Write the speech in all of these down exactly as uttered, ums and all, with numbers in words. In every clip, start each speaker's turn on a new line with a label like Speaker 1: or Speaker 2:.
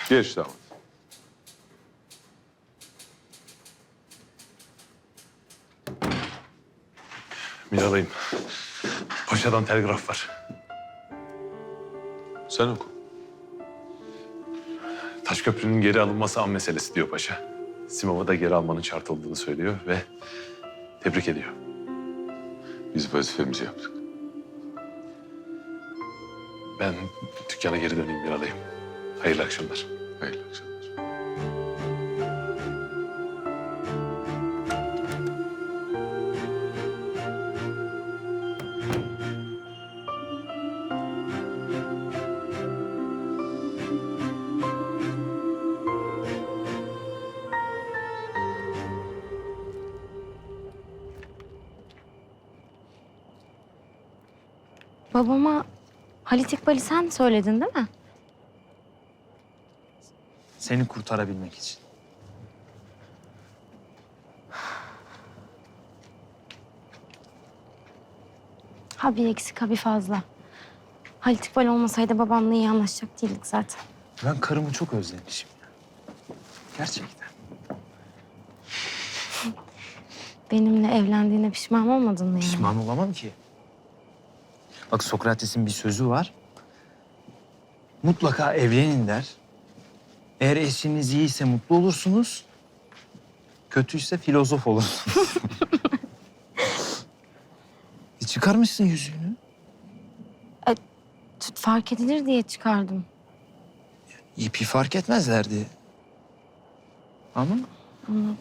Speaker 1: Geç damat.
Speaker 2: Miralay'ım. Paşadan telgraf var.
Speaker 1: Sen oku.
Speaker 2: Taşköprünün geri alınması an meselesi diyor paşa. Simov'u da geri almanın şart olduğunu söylüyor ve tebrik ediyor.
Speaker 1: Biz vazifemizi yaptık.
Speaker 2: Ben dükkana geri döneyim Miralay'ım. Hayırlı akşamlar.
Speaker 1: Hayırlı akşamlar.
Speaker 3: Babama Halit İkbal'i sen söyledin değil mi?
Speaker 4: Seni kurtarabilmek için.
Speaker 3: Ha bir eksik ha bir fazla. Halit İkbal olmasaydı babamla iyi anlaşacak değildik zaten.
Speaker 4: Ben karımı çok özlemişim ya. Gerçekten.
Speaker 3: Benimle evlendiğine pişman olmadın mı yani?
Speaker 4: Pişman olamam ki. Bak Sokrates'in bir sözü var. Mutlaka evlenin der. Eğer eşiniz iyiyse mutlu olursunuz. Kötüyse filozof olursunuz. e çıkarmışsın yüzüğünü.
Speaker 3: Tut fark edilir diye çıkardım.
Speaker 4: İpi fark etmezlerdi. Ama
Speaker 3: Ama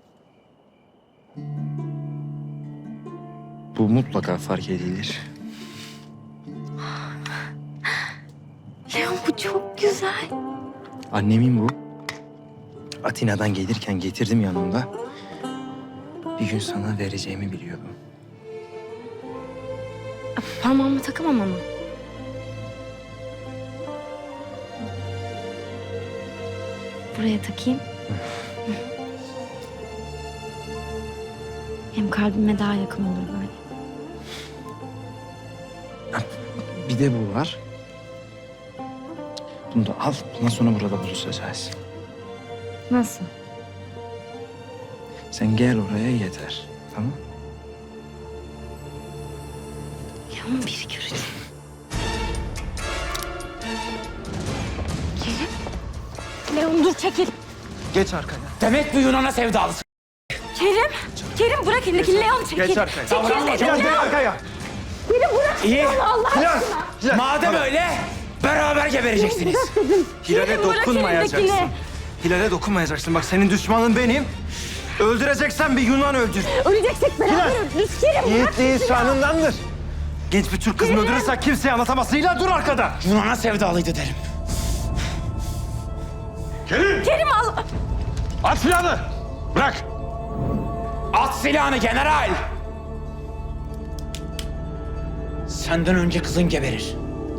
Speaker 4: bu mutlaka fark edilir.
Speaker 3: Leon bu çok güzel.
Speaker 4: Annemin bu. Atina'dan gelirken getirdim yanımda. Bir gün sana vereceğimi biliyordum.
Speaker 3: Parmağıma takamam ama. Buraya takayım. Hem kalbime daha yakın olur böyle.
Speaker 4: Bir de bu var. Bunu da al. Bundan sonra burada buluşacağız.
Speaker 3: Nasıl?
Speaker 4: Sen gel oraya yeter. Tamam?
Speaker 3: Leon biri görecek. Kerim. Leon dur çekil.
Speaker 4: Geç arkaya.
Speaker 5: Demek bu Yunan'a sevdalısın.
Speaker 3: Kerim. Kerim bırak elindeki Leon çekil.
Speaker 4: Geç arkaya.
Speaker 3: Çekil dedim.
Speaker 4: Geç arkaya.
Speaker 3: Kerim bırak
Speaker 5: İyi.
Speaker 3: Leon Allah aşkına.
Speaker 5: Madem öyle beraber gebereceksiniz.
Speaker 4: Hilal'e
Speaker 3: Kerim, bırak
Speaker 4: dokunmayacaksın.
Speaker 3: elindekini.
Speaker 4: Hilal'e dokunmayacaksın. Bak senin düşmanın benim. Öldüreceksen bir Yunan öldür.
Speaker 3: Öleceksek beraber ölürüz. Kerim bırak.
Speaker 4: Yiğitliği şanındandır. Genç bir Türk kızını öldürürsen kimseye anlatamazsın. Hilal dur arkada.
Speaker 5: Yunan'a sevdalıydı derim.
Speaker 1: Kerim!
Speaker 3: Kerim al.
Speaker 1: At silahını! Bırak!
Speaker 5: At silahını general. Senden önce kızın geberir.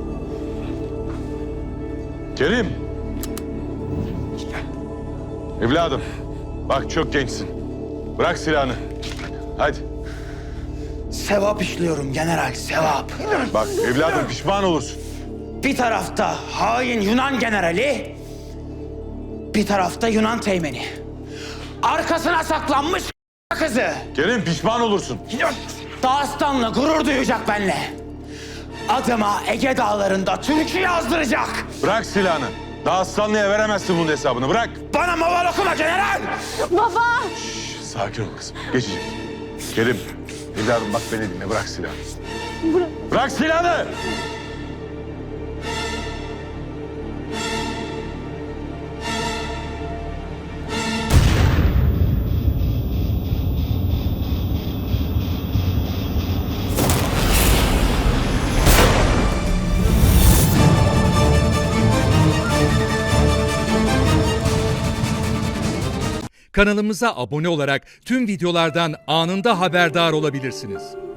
Speaker 1: Kerim! Evladım, bak çok gençsin. Bırak silahını. Hadi.
Speaker 5: Sevap işliyorum general, sevap.
Speaker 1: Bak evladım pişman olursun.
Speaker 5: Bir tarafta hain Yunan generali, bir tarafta Yunan teğmeni. Arkasına saklanmış kızı.
Speaker 1: Kerim pişman olursun.
Speaker 5: Dağıstan'la gurur duyacak benle. Adıma Ege dağlarında türkü yazdıracak.
Speaker 1: Bırak silahını. Daha aslanlıya veremezsin bunun hesabını. Bırak.
Speaker 5: Bana maval okuma general.
Speaker 3: Baba.
Speaker 1: Şş, sakin ol kızım. Geçecek. Kerim, evladım bak beni dinle. Bırak silahını.
Speaker 3: Bırak.
Speaker 1: Bırak silahını!
Speaker 6: Kanalımıza abone olarak tüm videolardan anında haberdar olabilirsiniz.